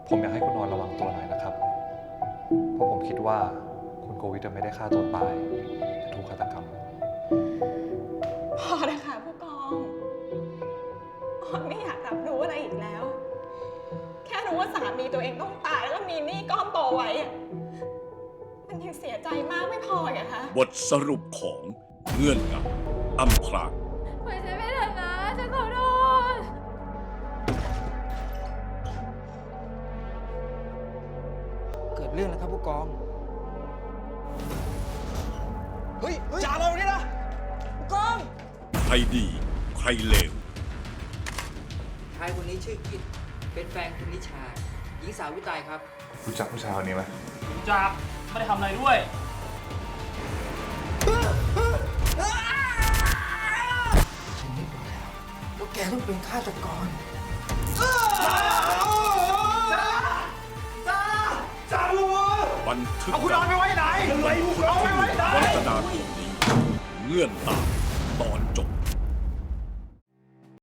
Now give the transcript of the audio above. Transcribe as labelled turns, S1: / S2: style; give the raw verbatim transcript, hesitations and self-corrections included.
S1: ผมอยากให้คุณออนระวังตัวหน่อยนะครับ เพราะผมคิดว่าคุณโกวิทไม่ได้ฆ่าตัวตายแต่ถูกฆาตกรรม
S2: พอนะคะผู้กองออนไม่อยากรับรู้อะไรอีกแล้ว แค่รู้ว่าสามีตัวเองต้องตายแล้วก็มีหนี้ก้อนโตไว้อะมันยังเสียใจมากไม่พออีกอะคะ
S3: บทสรุปของเงื่อนงำอำพราง
S4: ปล่อยฉันไปเถอะนะฉันขอโทษ
S5: เกิดเรื่องแล้วครับผู้กอง
S6: เฮ้ยจ่าเราเนี่ยนะผู้กอง
S3: ใครดีใครเลว
S5: ชายคนนี้ชื่อกิตเป็นแฟนคุณนิชา หญิงสาวผู้ตายครับ
S1: รู้จักผู้ชายคนนี้ไหม
S7: จับไม่ได้ทำอะไรด้วย
S5: ฉันไม่รู้แล้วว่าแกต้องเป็นฆาตกร
S3: บันทึก
S6: เอาคุณนอนไปไว้ไหน
S3: วันพุธที่หนึ่งกรกฎาคมนี้เงื่อนตามตอนจบ